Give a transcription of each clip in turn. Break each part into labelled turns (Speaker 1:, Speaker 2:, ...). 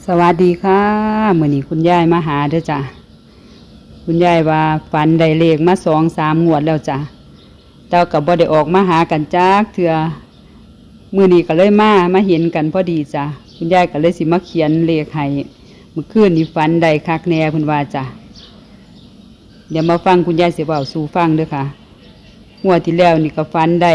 Speaker 1: สวัสดีค่ะมื้อนี้คุณยายมาหาเด้อจ้ะคุณยายว่าฝันได้เลขมา2-3 งวดแล้วจ้ะแต่ก็บ่ได้ออกมาหากันจักเทื่อมื้อนี้ก็เลยมาเห็นกันพอดีจ้ะคุณยายก็เลยสิมาเขียนเลขให้เมื่อคืนนี้ฝันได้คักแน่เพิ่นว่าจ้ะเดี๋ยวมาฟังคุณยายสิเว้าสู่ฟังเด้อค่ะงวดที่แล้วนี่ก็ฝันได้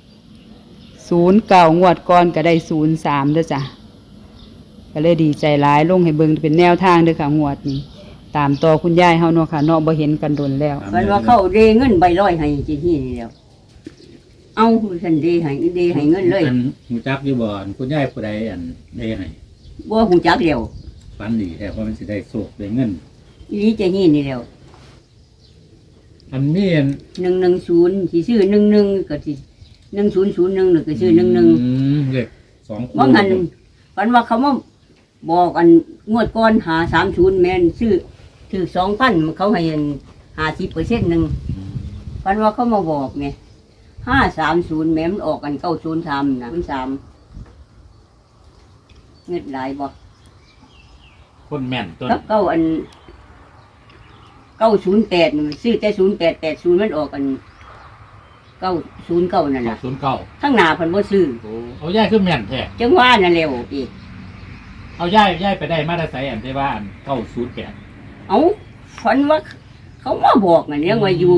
Speaker 1: 09งวดก่อนก็ได้03เด้อจ้ะก็เลยดีใจหลายลงให้เบิ่งเป็นแนวทางเด้อค่ะงวดนี้ตามต่อคุณยายเฮาเนาะค่ะเนาะบ่เห็นกันโดนแล้ว
Speaker 2: มันว่าเขาเดเงินใบร้อยให้จีที่นี่แล้วเอาฉันเดให้เงินเลย
Speaker 3: หูจักอยู่บ่อนคุณยายผู้ใดได้ให้
Speaker 2: บ่หูจักแล้ว
Speaker 3: ฝันดีแท้ว่ามันสิได้โชคได้เงิน
Speaker 2: อีนี้จะนี่แล้ว
Speaker 3: อันนี้
Speaker 2: 110สิซื้อ11ก็สิ1001ก็ซื้อ11
Speaker 3: เลข2คู่
Speaker 2: ว่างั้นฝันว่าเขามาบอกอันงวดก่อนหา30แม่นซื้อถือ 2,000 เขาให้50%นึงฝันว่าเขามาบอกแม่530แม่มันออกกัน903นะ03เงินหลายบ่
Speaker 3: คนแม่นต้น
Speaker 2: เก้าอัน908ซื้อแต่0880มันออกกัน909นั่นน่ะ
Speaker 3: 909
Speaker 2: ทั้งหน้าเพิ่นบ่ซื้อ
Speaker 3: เอาย่ายคือแม่นแท้
Speaker 2: จังว่านั่นแหละพี่
Speaker 3: เอาย่ายไปได้มาได้ไสได้ว่า908
Speaker 2: เอาฝันว่าเขามาบอกนั่นยังว่าอยู่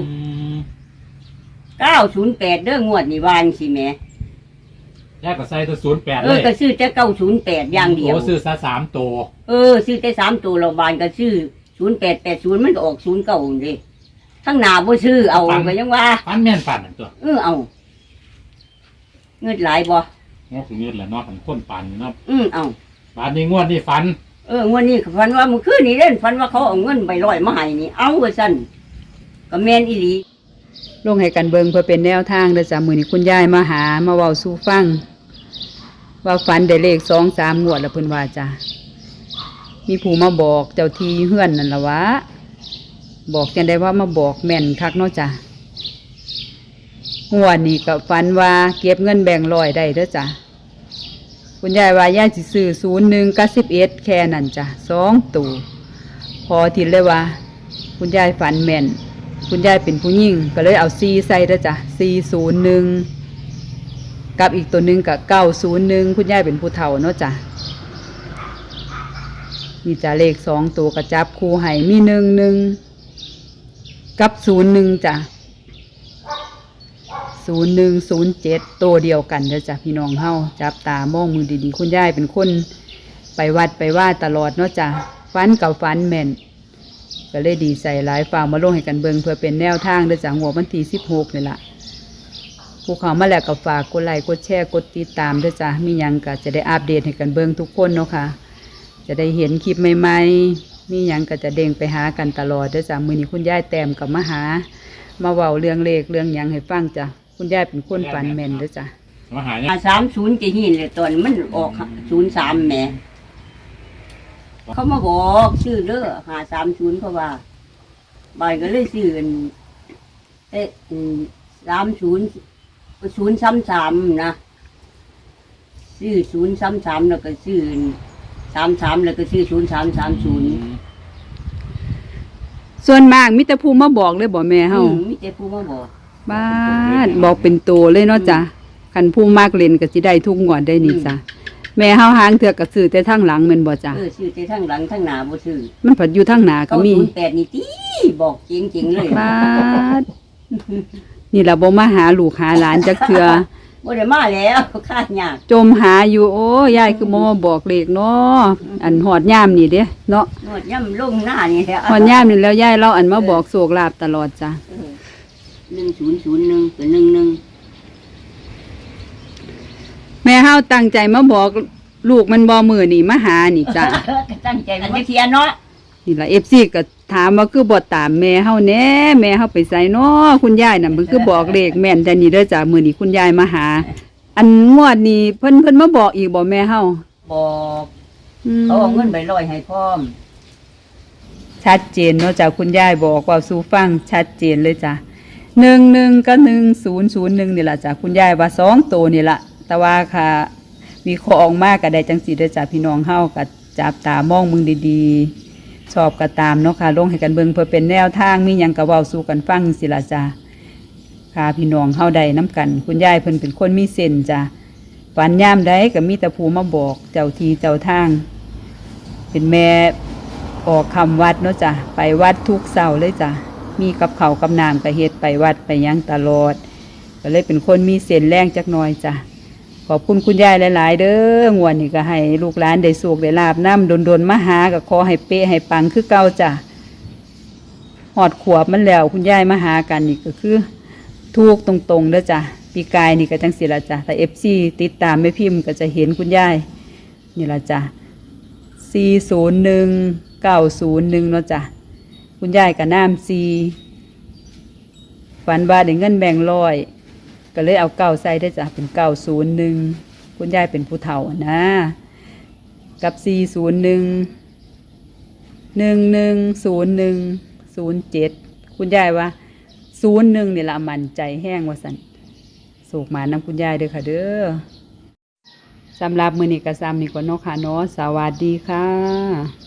Speaker 2: 908เด้องวดนี่วางสิแม่
Speaker 3: ย่ายก็ใส่ตัว08
Speaker 2: เลยก็ซื้อแต่908อย่างเดียว
Speaker 3: ซื้อซะ3ตัว
Speaker 2: ซื้อแต่3ตัวเราบานก็ซื้อ0880มันก็ออก09นี่เด้ทั้งหน้าบ่ซื้อเอาก็ยังว่า
Speaker 3: ฝันแม่นฝันนั่นตัว
Speaker 2: เอาเงินหลายบ่
Speaker 3: งอกเงินแหละเนาะของคนปั่นเนาะ
Speaker 2: เอา
Speaker 3: บาดนี้งวดนี้ฝัน
Speaker 2: งวดนี้ฝันว่าเมื่อคืนนี้เล่นฝันว่าเขาเอาเงินใบร้อยมาให้นี่เอาว่าซั่นก็แม่นอีหลี
Speaker 1: ลงให้กันเบิ่งเพื่อเป็นแนวทางเด้อจ้ะมื้อนี้คุณยายมาหามาเว้าสู่ฟังว่าฝันได้เลข2-3 งวดแล้วเพิ่นว่าจ้ะมีผู้มาบอกเจ้าที่เฮือนนั่นล่ะวะบอกจังได้ว่ามาบอกแม่นคักเนาะจ้ะงวดนี้ก็ฝันว่าเก็บเงินแบ่งค์100ได้เด้อจ้ะคุณยายว่ายายสิซื้อ01กับ11แค่นั้นจ้ะ2ตัวพอทีเลยว่าคุณยายฝันแม่นคุณยายเป็นผู้หญิงก็เลยเอา4ใส่เด้อจ้ะ401กับอีกตัวนึงก็901คุณยายเป็นผู้เฒ่าเนาะจ้ะนี่จ้ะเลข2ตัวก็จับคู่ให้มี11กับ01จ้ะ0107ตัวเดียวกันเด้อจ้ะพี่น้องเฮาจับตามองมือดีๆคุณยายเป็นคนไปวัดไปว่าตลอดเนาะจ้ะฝันกับฝันแม่นก็เลยดีใจหลายฝากมาลงให้กันเบิ่งเพื่อเป็นแนวทางเด้อจ้ะหัววันที่16นี่ล่ะผู้เข้ามาแล้วก็ฝากกดไลค์กดแชร์กดติดตามเด้อจ้ะมีหยังก็จะได้อัปเดตให้กันเบิ่งทุกคนเนาะค่ะจะได้เห็นคลิปใหม่ๆมีหยังก็จะเด้งไปหากันตลอดเด้อจ้ะมื้อนี้คุณยายแต้มกับมาหามาเว้าเรื่องเลขเรื่องหยังให้ฟังจ้ะคุณยายเป็นคนฝันแม่นเด้อจ้ะ
Speaker 3: มาหา
Speaker 2: เนี่ย30จะหินเลยตอนมันออก03แหมเขามาบอกชื่อเด้อ530เขาว่าบายก็เลยซื้อ30 นะซื้อ033แล้วก็ซื้อ33แล้วก็ซื้อ0330
Speaker 1: ส่วนมากมีแต่ผู้มาบอกเลยบ่แม่เฮา
Speaker 2: มีแต่ผู้มาบอก
Speaker 1: บ้านบอกเป็นตัวเลยเนาะจ้ะคันผู้มากเล่นก็สิได้ทุกงวดได้นี่จ้ะแม่เฮาหางเถื่อก็ซื้อแต่ทางหลังแม่นบ่จ้ะ
Speaker 2: ซื้อแต่ทางหลังทางหน้าบ่ซื้อ
Speaker 1: มันผัดอยู่ทางหน้าก็มี
Speaker 2: 08นี่ติบอกจริงๆเลย
Speaker 1: บ้านนี่ล่ะบ่มาหาลูกหาหลานจักเทื่อ
Speaker 2: บ่ได้มาแล้วค่ายาก
Speaker 1: จมหาอยู่โอ้ยายคือบ่มาบอกเลขเนาะอันฮอดยามนี่เด้เนาะ
Speaker 2: ฮอดยามลงหน้านี่แหละ
Speaker 1: ฮอดยามนี่แล้วยายเราอันมาบอกโชคลาภตลอดจ้ะ
Speaker 2: 1001กับ11
Speaker 1: แม่เฮาตั้งใจมาบอกลูกมันบ่มื้อนี่มาหานี่จ้ะ
Speaker 2: ตั้งใจมันเทียนเนาะ
Speaker 1: นี่ล่ะ FC ก็ถามว่าคือบ่ตามแม่เฮาแหน่แม่เฮาไปไสเนาะคุณยายน่ะมันคือบอกเลขแม่นแต่นี่เด้อจ้ะมื้อนี้คุณยายมาหาอันงวดนี้เพิ่นมาบอกอีกบ่แม่เฮา
Speaker 2: บอกเขาเอาเงินไป100ให้พร้อม
Speaker 1: ชัดเจนเนาะจ้ะคุณยายบอกว่าสู่ฟังชัดเจนเลยจ้ะ11กับ1001นี่ล่ะจ้ะคุณยายว่า2ตัวนี่ล่ะแต่ว่าค่ะ มีของมากก็ได้จังสีเด้อจ้ะพี่น้องเฮาก็จับตามองมึงดีๆชอบก็ตามเนาะค่ะลงให้กันเบิ่งเพื่อเป็นแนวทางมีหยังก็เว้าสู่กันฟังสิล่ะจ้ะค่ะพี่น้องเฮาได้น้ำกันคุณยายเพิ่นเป็นคนมีเส้นจ้ะฝันยามใดก็มีแต่ผู้มาบอกเจ้าทีเจ้าทางเป็นแม่ออกคำวัดเนาะจ้ะไปวัดทุกเสาร์เลยจ้ะมีกับเขาวกับน้ำก็เฮ็ดไปวัดไปหยังตลอดก็เลยเป็นคนมีเส้นแรงจักหน่อยจ้ะขอบคุณคุณยายหลายๆเด้องวดนี้ก็ให้ลูกหลานได้สุขได้ลาบน้ำโดนๆมาหาก็ขอให้เป๊ะให้ปังคือเก่าจ้ะหอดขวบมันแล้วคุณยายมาหากันนี่ก็คือถูกตรงๆเด้อจ้ะปีกายนี่ก็จังสิละจ้ะแต่FCติดตามไม่พิมพ์ก็จะเห็นคุณยายนี่ละจ้ะ401 901เนาะจ้ะคุณยายกับน้ำ4ฝันว่าได้เงินแบ่งร้อยก็เลยเอา9ใส่ได้จ้ะเป็น901คุณยายเป็นผู้เฒ่านะกับ401 110107คุณยายว่า01นี่ละมันใจแห้งว่าสันโศกมาน้ำคุณยายเด้อค่ะเด้อสำหรับมื้อนี้ก็ซ้ำนี่ก่อนเนาะค่ะเนาะสวัสดีค่ะ